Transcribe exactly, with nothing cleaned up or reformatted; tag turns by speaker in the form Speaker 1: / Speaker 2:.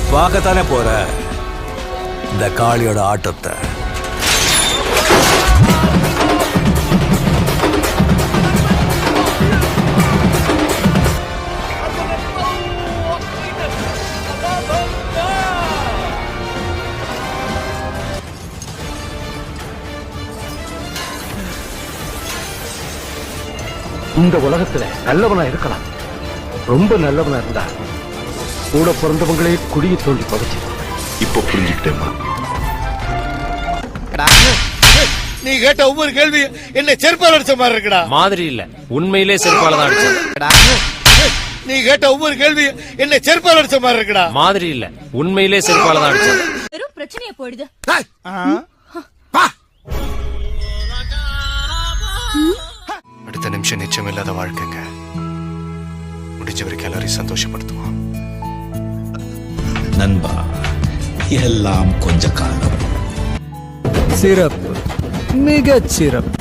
Speaker 1: பார்க்கத்தானே போற இந்த காளியோட ஆட்டத்தை.
Speaker 2: இந்த உலகத்துல நல்லவனா இருக்கலாம், ரொம்ப நல்லவனா இருந்தா கூட பிறந்தவங்களே குடியை தோண்டி பகிச்சு.
Speaker 3: இப்ப புரிஞ்சுக்கிட்டேம்மா.
Speaker 4: நீ கேட்ட ஒவ்வொரு கேள்வி என்ன செருப்பால் அடிச்ச மாதிரி இருக்குடா.
Speaker 5: மாதிரி இல்ல, உண்மையிலே செருப்பால தான் அடிச்சேன்.
Speaker 4: நீ கேட்ட ஒவ்வொரு கேள்வி என்ன செருப்பால் அடிச்ச மாதிரி இருக்குடா.
Speaker 5: மாதிரி இல்ல, உண்மையிலே செருப்பால தான் அடிச்சேன்.
Speaker 6: வெறும் பிரச்சனையா போயிடுது.
Speaker 7: அடுத்த நிமிஷம் நிச்சயம் இல்லாத வாழ்க்கைங்க. முடிஞ்ச வரைக்கும் எல்லாரையும் சந்தோஷப்படுத்துவோம்.
Speaker 3: நண்பா, எல்லாம் கொஞ்ச காலம்.
Speaker 1: சிறப்பு, மிகச் சிறப்பு.